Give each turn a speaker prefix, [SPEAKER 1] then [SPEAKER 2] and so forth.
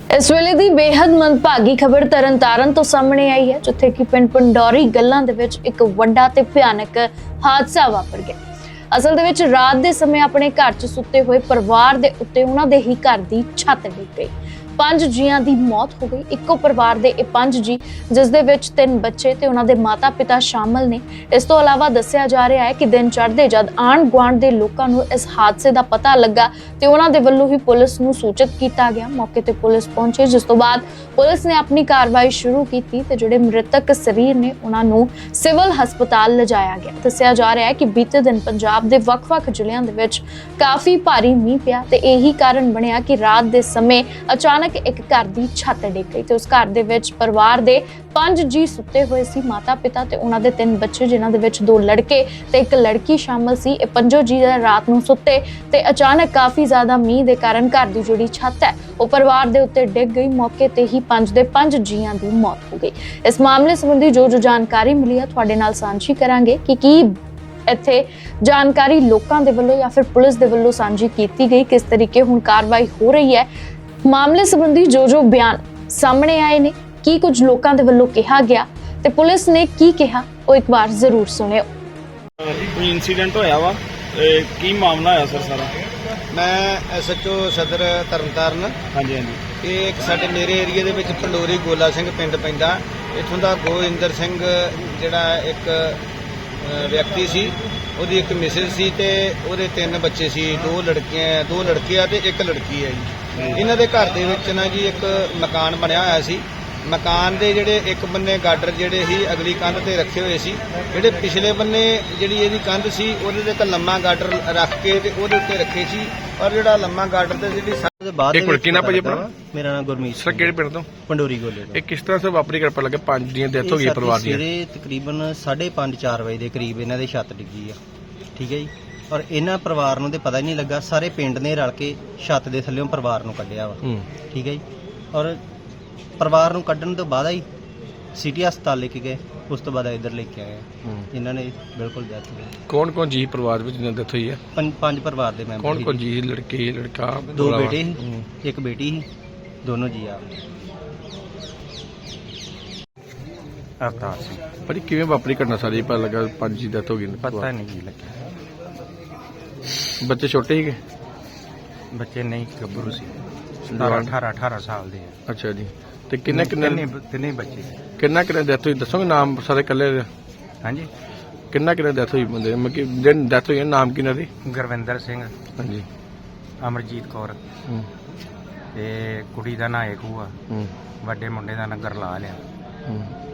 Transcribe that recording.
[SPEAKER 1] इस वेले दी बेहद मंदभागी खबर तरनतारन तो सामने आई है, जिथे कि पिंड पंडौरी गल्लां दे विच एक वड्डा ते भयानक हादसा वापर गया। असल दे विच रात दे समय अपने घर च सुत्ते हुए परिवार दे उत्ते उन्हां दे ही घर दी छत डिग गई। 5 जीआं दी मौत हो गई। इक्को परिवार दे 5 जी, जिस दे विच 3 बच्चे ते उन्हां दे माता पिता शामिल ने। इस तो इलावा दस्सिया जा रहा है कि दिन चढ़दे जद आंढ गुआंढ दे लोकां नूं इस हादसे दा पता लगा ते उन्हां दे वल्लों ही पुलिस नूं सूचित कीता गया। मौके ते पुलिस पहुंचे, जिस तो बाद पुलिस ने अपनी कार्रवाई शुरू की ते जिहड़े मृतक शरीर ने उन्हां नूं सिविल हस्पताल लिजाया गया। दस्सिया जा रहा है कि बीते दिन पंजाब दे वख-वख जिलिਆਂ ਦੇ ਵਿੱਚ काफी भारी मींह पिया ते यही कारण बनिया कि रात दे समय अचानक एक घर दी छत डिग गई ते उस घर दे विच परिवार दे 5 जी सुते हुए सी। माता पिता ते उन्हां दे 3 बच्चे, जिन्हां दे विच 2 लड़के ते 1 लड़की शामिल सी। ये 5 जी रात नूं सुते ते अचानक काफी ज्यादा मींह दे कारण घर दी जिहड़ी छत है वो परिवार दे उत्ते डिग गई। मौके ते ही 5 दे 5 जीआं दी मौत हो गई। इस मामले संबंधी जो जानकारी मिली है तुहाडे नाल सांझी करांगे कि ਇੱਥੇ जानकारी लोकां दे वल्लों या फिर पुलिस दे वल्लों सांझी कीती गई, किस तरीके हुण कार्रवाई हो रही है। मामले संबंधी जो बयान सामने आए ने, की कुछ लोकां दे वल्लों कहा गया ते पुलिस ने की कहा, वो एक बार जरूर सुनियो।
[SPEAKER 2] कोई इंसीडेंट होया वा, की मामला होया सर सारा?
[SPEAKER 3] मैं SHO सदर तरनताਰਨ।
[SPEAKER 2] हाँ जी हाँ जी।
[SPEAKER 3] ये एक साडे मेरे एरिए दे विच पंडोरी गोला सिंह पिंड पैंदा। इत्थों दा गोविंदर सिंह जिहड़ा एक व्यक्ति सी, ਉਹਦੀ ਇੱਕ ਮਿਸਿਸ ਸੀ ਤੇ ਉਹਦੇ 3 ਬੱਚੇ ਸੀ, 2 ਲੜਕੇ ਆ ਤੇ 1 ਲੜਕੀ ਹੈ ਜੀ। ਇਹਨਾਂ ਦੇ ਘਰ ਦੇ ਵਿੱਚ ਨਾ ਜੀ ਇੱਕ ਮਕਾਨ ਬਣਿਆ ਹੋਇਆ ਸੀ। ਮਕਾਨ ਦੇ ਜਿਹੜੇ ਇੱਕ ਬੰਨੇ ਗਾਡਰ ਜਿਹੜੇ ਸੀ ਅਗਲੀ ਕੰਧ ਤੇ ਰੱਖੇ ਹੋਏ ਸੀ, ਜਿਹੜੇ ਪਿਛਲੇ ਬੰਨੇ ਜਿਹੜੀ ਇਹਦੀ ਕੰਧ ਸੀ ਉਹਦੇ ਤੇ ਇੱਕ ਲੰਮਾ ਗਾਡਰ ਰੱਖ ਕੇ ਤੇ ਉਹਦੇ ਉੱਤੇ ਰੱਖੇ ਸੀ। ਔਰ ਜਿਹੜਾ ਲੰਮਾ ਗਾਡਰ ਤੇ ਜਿਹੜੀ ਦੇ ਬਾਅਦ
[SPEAKER 2] ਇੱਕ ਮਿੰਟ, ਕੀ ਨਾਮ ਭਾਜੀ ਆਪਣਾ?
[SPEAKER 3] ਮੇਰਾ ਨਾਮ ਗੁਰਮੀਤ
[SPEAKER 2] ਸਰ ਕਿਹੜੇ ਪਿੰਡ ਤੋਂ?
[SPEAKER 3] ਪੰਡੋਰੀ ਗੋਲੇ ਤੋਂ।
[SPEAKER 2] ਇਹ ਕਿਸ ਤਰ੍ਹਾਂ ਸੇ ਵਾਪਰੀ ਕਿਰਪਾ ਲੱਗੇ 5 ਦੀਆਂ ਡੈਥ ਹੋ ਗਈ ਪਰਿਵਾਰ ਦੀ?
[SPEAKER 3] ਸਵੇਰੇ ਤਕਰੀਬਨ 5:30-4 ਵਜੇ ਦੇ ਕਰੀਬ ਇਹਨਾਂ ਦੇ ਛੱਤ ਡਿੱਗੀ ਆ, ਠੀਕ ਹੈ ਜੀ। ਔਰ ਇਹਨਾਂ ਪਰਿਵਾਰ ਨੂੰ ਤੇ ਪਤਾ ਹੀ ਨਹੀਂ ਲੱਗਾ, ਸਾਰੇ ਪਿੰਡ ਨੇ ਰਲ ਕੇ ਛੱਤ ਦੇ ਥੱਲੇੋਂ ਪਰਿਵਾਰ ਨੂੰ ਕੱਢਿਆ ਵਾ, ਠੀਕ ਹੈ ਜੀ। ਔਰ ਪਰਿਵਾਰ ਨੂੰ ਕੱਢਣ ਤੋਂ ਬਾਅਦ ਹੀ ਸਿਟੀ ਹਸਪਤਾਲ ਲੈ ਕੇ ਗਏ, ਉਸ ਤੋਂ ਬਾਅਦ ਇੱਧਰ ਲੈ ਕੇ ਆਏ ਇਹਨਾਂ ਨੇ ਬਿਲਕੁਲ ਡੈਥ ਹੋ ਗਈ।
[SPEAKER 2] ਕੌਣ ਕੌਣ ਜੀ ਪਰਿਵਾਰ ਵਿੱਚ ਜਿਹਨਾਂ ਡੈਥ ਹੋਈ ਹੈ?
[SPEAKER 3] 5 ਪਰਿਵਾਰ ਦੇ ਮੈਂਬਰ।
[SPEAKER 2] ਕੌਣ ਕੌਣ ਜੀ? ਲੜਕੇ ਲੜਕਾ?
[SPEAKER 3] 2 ਬੇਟੇ ਸੀ, 1 ਬੇਟੀ ਸੀ, ਦੋਨੋਂ ਜੀ ਆ।
[SPEAKER 4] अवतार सिंह।
[SPEAKER 2] ਭਾਜੀ ਕਿਵੇਂ ਵਾਪਰੀ ਘਟਨਾ ਸਾਰੀ? ਪਤਾ ਲੱਗਾ 5 ਦੀ ਡੈਥ ਹੋ ਗਈ।
[SPEAKER 4] पता नहीं जी लगा,
[SPEAKER 2] ਬੱਚੇ ਛੋਟੇ ਸੀਗੇ?
[SPEAKER 4] बच्चे नहीं गभरू सी, 18 साल दे।
[SPEAKER 2] ਅੱਛਾ ਜੀ। ਤੇ ਕਿੰਨੇ
[SPEAKER 4] तिन्ने बच्चे।
[SPEAKER 2] ਕਿੰਨਾ ਡੈਥ ਹੋਈ ਦੱਸੋਗੇ? ਨਾਮ ਸਾਰੇ ਇਕੱਲੇ?
[SPEAKER 4] हाँ जी।
[SPEAKER 2] ਕਿੰਨਾ ਡੈਥ ਹੋਈ ਬੰਦੇ? ਮਤਲਬ ਕਿ ਜਿਹਨ ਡੈਥ ਹੋਈ ਹੈ ਨਾਮ ਕਿਹਨਾਂ ਦੀ?
[SPEAKER 4] गुरविंदर सिंह,
[SPEAKER 2] ਹਾਂਜੀ।
[SPEAKER 4] अमरजीत कौर ਤੇ ਕੁੜੀ ਦਾ ਨਾਂ ਏਕੂ ਆ, ਵੱਡੇ ਮੁੰਡੇ ਦਾ ਨਾਂ ਗਰਲਾਲ ਆ।